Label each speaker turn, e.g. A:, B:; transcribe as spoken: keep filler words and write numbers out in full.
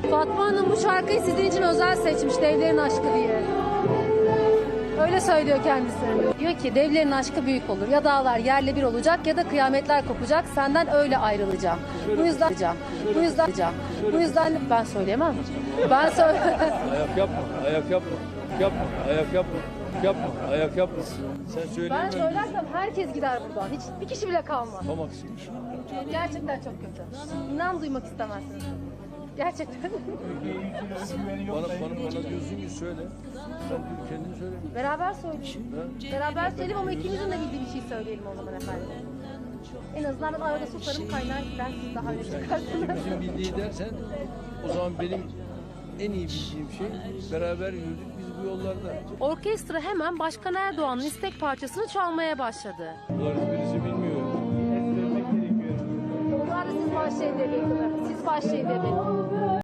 A: Fatma Hanım bu şarkıyı sizin için özel seçmiş, Devlerin Aşkı diye. Öyle söylüyor kendisi. Diyor ki devlerin aşkı büyük olur. Ya dağlar yerle bir olacak ya da kıyametler kopacak. Senden öyle ayrılacağım. Bu yüzden bu yüzden bu yüzden ben söyleyemem. Ben söyle.
B: Ayak yapma, ayak yapma, yapma, ayak yapma, yapma, ayak yapma. Sen söyle.
A: Ben söylersem herkes gider buradan. Hiç bir kişi bile kalmaz.
B: Tam aksiymiş.
A: Gerçekten çok kötü. İnan duymak istemezsiniz. Gerçekten.
B: Bana, bana, bana diyorsun ki söyle. Sen kendin söyle.
A: Beraber söyleyelim. Beraber söyleyelim ama ikimizin de bildiği bir şey söyleyelim o zaman efendim. En azından ben arada susarım, kaynar gider, siz daha öne çıkarsınız.
B: İkimizin bildiği dersen o zaman benim en iyi bildiğim şey beraber yürüdük biz bu yollarda.
A: Orkestra hemen Başkan Erdoğan'ın istek parçasını çalmaya başladı.
B: Bunlar birisi bilmiyor.
A: Onlar da siz başlayın dedi. Siz başlayın dedi.